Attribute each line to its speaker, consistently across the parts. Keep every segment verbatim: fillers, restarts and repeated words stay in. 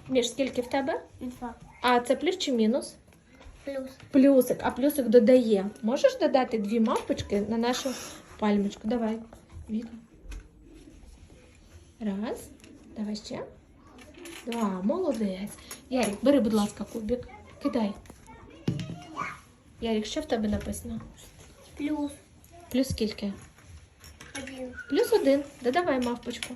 Speaker 1: Міш, скільки в тебе?
Speaker 2: Два.
Speaker 1: А це плюс чи мінус?
Speaker 2: Плюс.
Speaker 1: Плюсик, а плюсик додає. Можеш додати дві мавпочки на нашу пальмочку? Давай. Віка. Раз. Давай ще. Два. Молодець. Ярик, бери, будь ласка, кубик. Кидай. Ярик, що в тебе написано?
Speaker 2: Плюс.
Speaker 1: Плюс скільки?
Speaker 2: Один.
Speaker 1: Плюс один. Додавай мавпочку.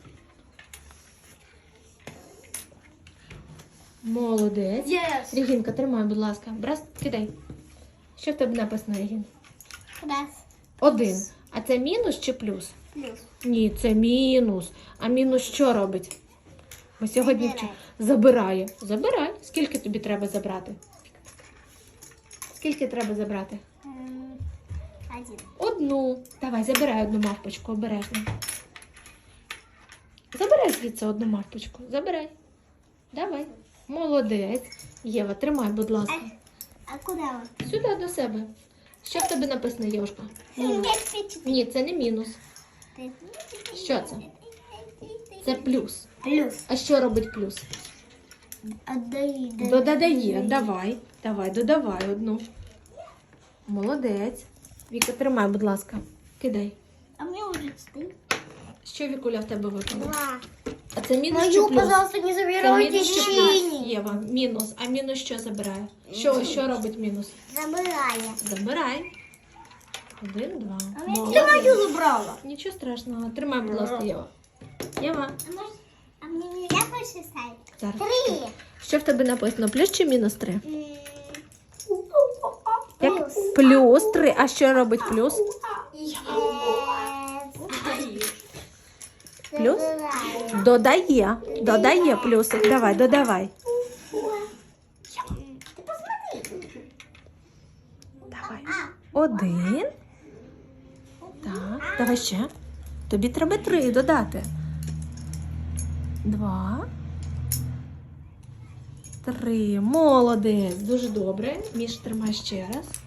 Speaker 1: Молодець.
Speaker 2: Yes.
Speaker 1: Регінка, тримай, будь ласка. Брас, кидай. Що в тебе написано, Регін?
Speaker 2: Раз.
Speaker 1: Один. А це мінус чи плюс?
Speaker 2: Плюс.
Speaker 1: Ні, це мінус. А мінус що робить? Ми сьогодні вчимо. Забирає. Забирай. Скільки тобі треба забрати? Скільки треба забрати?
Speaker 2: М, Один.
Speaker 1: Одну. Давай, забирай одну мавпочку, обережно. Забирай звідси одну мавпочку. Забирай. Давай. Молодець. Єва, тримай, будь ласка.
Speaker 2: А куда он?
Speaker 1: Сюди до себе. Що в тебе написано, Євушка? Мінус. Ні, це не мінус. Що це? Це плюс.
Speaker 2: Плюс.
Speaker 1: А що робить плюс?
Speaker 2: Отдай.
Speaker 1: Додає. Давай. Давай, додавай одну. Молодець. Віка, тримай, будь ласка. Кидай.
Speaker 2: А мне уже четыре.
Speaker 1: Що, Вікуля, в тебе випало?
Speaker 2: Два.
Speaker 1: А це мінус чи
Speaker 2: Мою,
Speaker 1: плюс?
Speaker 2: пожалуйста, не
Speaker 1: Це
Speaker 2: забирайте
Speaker 1: мінус чи плюс?
Speaker 2: синий.
Speaker 1: Єва, мінус. А мінус що забирає? Що, що робить мінус?
Speaker 2: Забираю.
Speaker 1: Забирай. Один, два.
Speaker 2: Ты
Speaker 1: Молодець.
Speaker 2: мою забрала.
Speaker 1: Нічого страшного. Тримай, будь ласка, Єва. Єва.
Speaker 2: А, может, а мне нельзя больше ставить?
Speaker 1: Зараз.
Speaker 2: Три.
Speaker 1: Що в тебе написано? Плюс чи мінус три?
Speaker 2: М,
Speaker 1: Як?
Speaker 2: Плюс.
Speaker 1: Плюс три. А що робить плюс?
Speaker 2: Э,
Speaker 1: Плюс?
Speaker 2: забираю.
Speaker 1: Додає. Додає плюсик. Давай, додавай.
Speaker 2: Ты посмотри.
Speaker 1: Давай. Один. Так, давай ще. Тобі треба три додати. Два. Три. Молодець. Дуже добре. Міш, тримай ще раз.